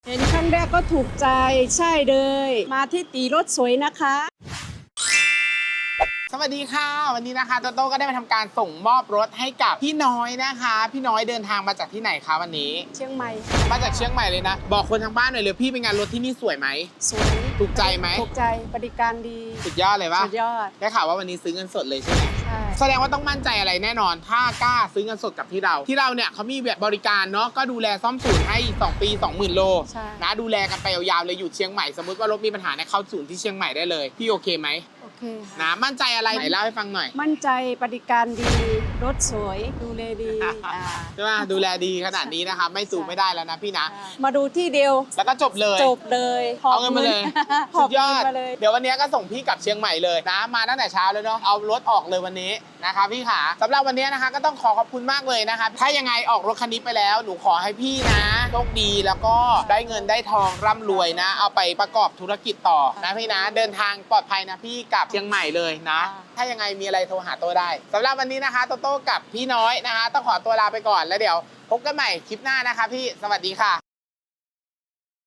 เห็นครั้งแรกก็ถูกใจใช่เลยมาที่ตีรถสวยนะคะสวัสดีค่ะวันนี้นะคะโตโต้ก็ได้มาทำการส่งมอบรถให้กับพี่น้อยนะคะพี่น้อยเดินทางมาจากที่ไหนคะวันนี้เชียงใหม่มาจากเชียงใหม่เลยนะบอกคนทางบ้านหน่อยเลยพี่เป็นไงานรถที่นี่สวยไหมสวยถูกใจไหมถูกใจบริการดีสุดยอดเลยปะสุดยอดได้ข่าวว่าวันนี้ซื้อเงินสดเลยใช่ไหมใช่แสดงว่าต้องมั่นใจอะไรแน่นอน ถ้ากล้าซื้อเงินสดกับที่เราเนี่ยเขามีแบบบริการเนาะก็ดูแลซ่อมศูนย์ให้2 ปี 20,000 โลใช่นะดูแลกันไปยาวๆเลยอยู่เชียงใหม่สมมติว่ารถมีปัญหาในเข้าศูนย์ที่เชียงใหม่ได้เลยพี่โอเคไหมโอเคนะมั่นใจอะไรไหนเล่าให้ฟังหน่อยมั่นใจบริการดีรถสวยดูแลดีใช่ไหมดูแลดีขนาดนี้นะคะไม่สูงไม่ได้แล้วนะพี่นะมาดูที่เดียวแล้วก็จบเลยจบเลยหบเอาเงินมาเลยหสุอบดยอดเงินมาเลยเดี๋ยววันนี้ก็ส่งพี่กลับเชียงใหม่เลยนะมาตั้งแต่เช้าเลยเนาะเอารถออกเลยวันนี้นะคะพี่ขาสำหรับวันนี้นะคะก็ต้องขอบคุณมากเลยนะคะถ้ายังไงออกรถคันนี้ไปแล้วหนูขอให้พี่นะโชคดีแล้วก็ได้เงินได้ทองร่ำรวยนะ เอาไปประกอบธุรกิจต่อนะพี่นะเดินทางปลอดภัยนะพี่กลับเชียงใหม่เลยนะ ถ้ายังไงมีอะไรโทรหาโต้ได้สำหรับวันนี้นะคะโตโต้กับพี่น้อยนะคะต้องขอตัวลาไปก่อนแล้วเดี๋ยวพบกันใหม่คลิปหน้านะคะพี่สวัสดีค่ะ